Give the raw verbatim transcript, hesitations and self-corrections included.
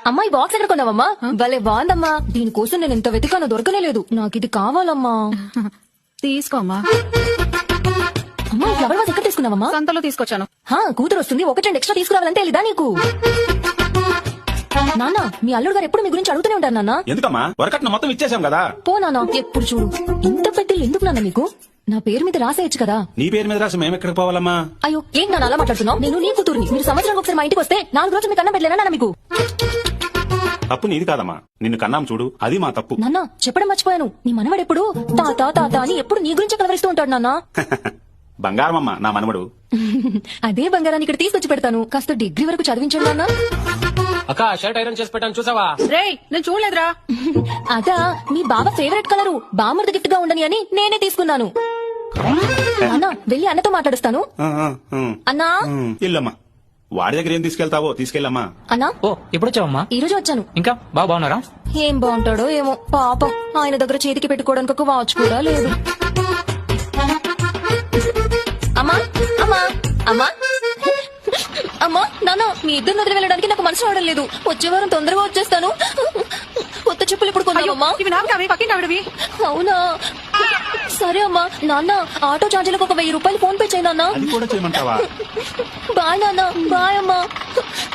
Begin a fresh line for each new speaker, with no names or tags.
అమ్మా ఈ బాక్స్ ఎక్కడ కొన్నావమ్మా? భలే బాగుందమ్మా. దీనికోసం నేను ఎంత వెతికానో దొరకనే లేదు. నాకు ఇది కావాలమ్మా.
తీసుకోమ్మా.
అమ్మా ఈ ఫ్లవర్ వాజ్ ఎక్కడ తీసుకున్నావమ్మా?
సంతలో తీసుకొచ్చాను.
హా, కూతురు వస్తుంది, ఒకటి రెండు ఎక్స్ట్రా తీసుకురావాలంటే తెలీదా నీకు? నాన్న, మీ అల్లుడు గారు ఎప్పుడు మీ గురించి అడుగుతూనే ఉంటారు నాన్న.
ఎందుకమ్మా వరకట్న మొత్తం ఇచ్చేసాం కదా.
పో నాన్న, ఎప్పుడు చూడు ఇంత పెద్దలు ఎందుకు నాన్న నీకు? నా పేరు మీద రాసేయచ్చు కదా.
నీ పేరు మీద రాసి మేము ఎక్కడికి పోవాలమ్మా?
అయ్యో ఏం నాన్న అలా మాట్లాడుతున్నావు? నేను నీ కూతురుని. మీరు సంవత్సరానికి ఒకసారి మా ఇంటికి వస్తే నాలుగు రోజులు మీకు అన్నం పెట్టలేనా నాన్న మీకు?
తప్పు నీది కాదమ్మా, నిన్ను కన్నాం చూడు, అది మా తప్పు.
నాన్న చెప్పడం మర్చిపోయాను, నీ మనవడు ఎప్పుడు తాత తాత అని ఎప్పుడు నీ గురించి కలవరిస్తూ ఉంటాడు నాన్న.
బంగారమమ్మా నా మనవడు.
అదే బంగారాన్ని ఇక్కడ తీసుకొచ్చి పెడతాను. కాస్త డిగ్రీ వరకు చదివించండి నాన్న.
అక్క షర్ట్ ఐరన్ చేసి పెట్టాను చూసావా?
రేయ్ నేను చూడలేదురా.
అదా మీ బావ ఫేవరెట్ కలరు, బామ్మర్ది గిఫ్ట్ గా ఉండని అని నేనే తీసుకున్నాను. అన్న వెళ్ళి అన్నతో మాట్లాడుస్తాను.
ఆ, ఆ, ఆ.
అన్నా
ఉమ్, ఇల్లమ్మా, వాడి దగ్గర ఏం తీసుకెళ్తావో తీసుకెళ్ళమ్మా.
అన్నా
ఓ ఎప్పుడు వచ్చావమ్మా?
ఈ రోజు వచ్చాను.
ఇంకా బాగా బాగున్నారా?
ఏం బాగుంటాడో ఏమో పాపం, ఆయన దగ్గర చేతికి పెట్టుకోవడానికి ఒక వాచ్ కూడా లేదు. అమ్మా అమ్మా అమ్మా అమ్మా నాన్న, మీ ఇద్దరు వదిలి వెళ్ళడానికి నాకు మనసు రావడం లేదు. వచ్చే వారం తొందరగా వచ్చేస్తాను. కొత్త చెప్పులు ఇప్పుడు కొన్నావమ్మా?
ఇవి నాకు కావి, పక్కింటి ఆవిడవి.
అవునా, సరే అమ్మా. నాన్న ఆటో ఛార్జీలకు ఒక వెయ్యి రూపాయలు ఫోన్ పే చేయి నాన్న.
అది కూడా చేయమంటావా?
బాయ్ నాన్న. బాయ్ అమ్మా.